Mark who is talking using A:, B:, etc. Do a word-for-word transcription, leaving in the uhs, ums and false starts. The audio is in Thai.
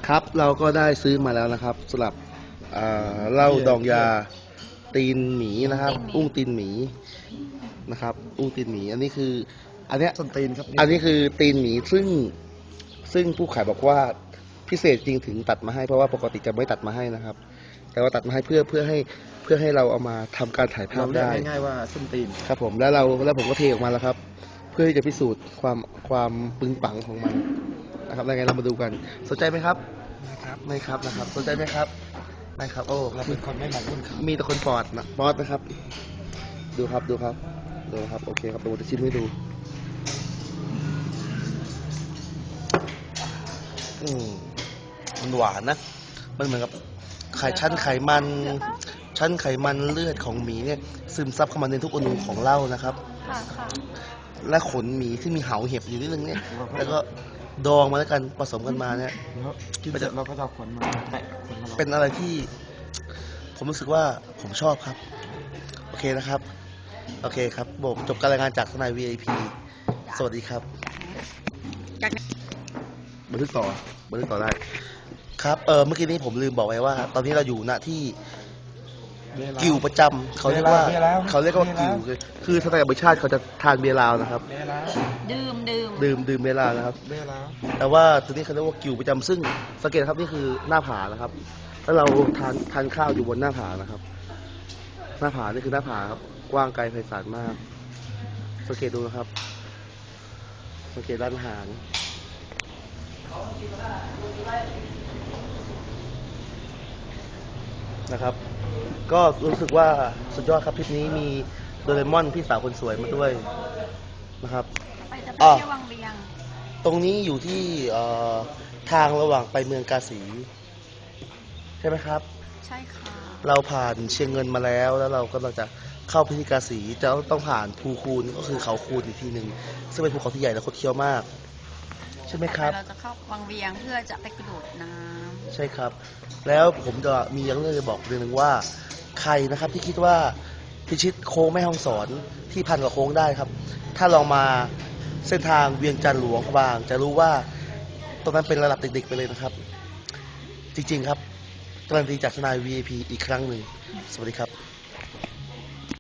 A: ครับเราก็ได้ซื้อมาแล้วนะครับสำหรับเหล้าดองยาตีนหมีนะครับอุ้งตีนหมีนะครับอุ้งตีนหมีอันนี้คืออันเนี้ย
B: ส้นตีนครับ
A: อันนี้คือตีนหมีซึ่งซึ่งผู้ขายบอกว่าพิเศษจริงถึงตัดมาให้เพราะว่าปกติจะไม่ตัดมาให้นะครับแต่ว่าตัดมาให้เพื่อเพื่อให้เพื่อให้เราเอามาทำการถ่ายภาพได้
B: ง่ายๆว่าส้นตีน
A: ครับผมแล้วเราแล้วผมก็เทออกมาแล้วครับเพื่อที่จะพิสูจน์ความความปึงปังของมันนะครับยังไงเรามาดูกันสนใจไหมครับ
B: นะครับ
A: ไม่ครับนะครับสนใจไหมครับไม่ครับโอ้
B: เราเป็นคนไม่หมกมุ่นครับ
A: มีแต่คนปอดนะปอดนะครับดูครับดูครับดูครับโอเคครับผมจะชิมให้ดูอืมมันหวานนะมันเหมือนกับไขชั้นไขมันชั้นไขมันเลือดของหมีเนี่ยซึมซับเข้ามาในทุกอนูของเหล้านะครับและขนหมีที่มีเหาเห็บอยู่นิดนึงเนี่ยแล้วก็ดองมาแล้วกันผสมกันมาเนี่ย
B: กินเสร็จเราก็จะขนมาแตะขนมา
A: เป็นอะไรที่ผมรู้สึกว่าผมชอบครับโอเคนะครับโอเคครับผมจบการรายงานจากทนาย วี ไอ พี สวัสดีครับบันทึกต่อบันทึกต่อได้ครับเออเมื่อกี้นี้ผมลืมบอกไว้ว่า ตอนนี้เราอยู่ณที่กิวประจำเขาเรียกว่าเขาเรียกว่ากิวคือทนายอภิชาติเขาจะทานเบียร์ลาวนะครับ
C: ดื่มดื่ม
A: ดื่มดื่มเบียร์ลาวนะครับแต่ว่าตัวนี้เขาเรียกว่ากิวประจำซึ่งสังเกตครับนี่คือหน้าผานะครับแล้วเราทานทานข้าวอยู่บนหน้าผานะครับหน้าผานี่คือหน้าผาครับกว้างไกลไพศาลมากสังเกตดูนะครับสังเกตด้านหางนะครับก็รู้สึกว่าสุดยอดครับทริปนี้มีโดเรมอนพี่สาวคนสวยมาด้วยนะครับ
C: ไปจะไปเที่ยววังเวียง
A: ตรงนี้อยู่ที่ทางระหว่างไปเมืองกาสีใช่ไหมครับ
C: ใช่ค่ะ
A: เราผ่านเชียงเงินมาแล้วแล้วเราก็เราจะเข้าพิธีกาสีจะต้องผ่านภูคูนก็คือเขาคูนอีกทีหนึ่งซึ่งเป็นภูเขาที่ใหญ่และคดเคี้ยวมากใช่ไหมครับ
C: เราจะเข้าวังเวียงเพื่อจะไปกระโดดน้ำ
A: ใช่ครับแล้วผมจะมีเรื่องจะบอกเรื่องหนึ่งว่าใครนะครับที่คิดว่าพิชิตโค้งแม่ฮ่องสอนที่พันกว่าโค้งได้ครับถ้าลองมาเส้นทางเวียงจันทร์หลวงพระบางจะรู้ว่าตรงนั้นเป็นระดับเด็กๆไปเลยนะครับจริงๆครับการันตีจากทนาย วี ไอ พี อีกครั้งหนึ่งสวัสดีครับ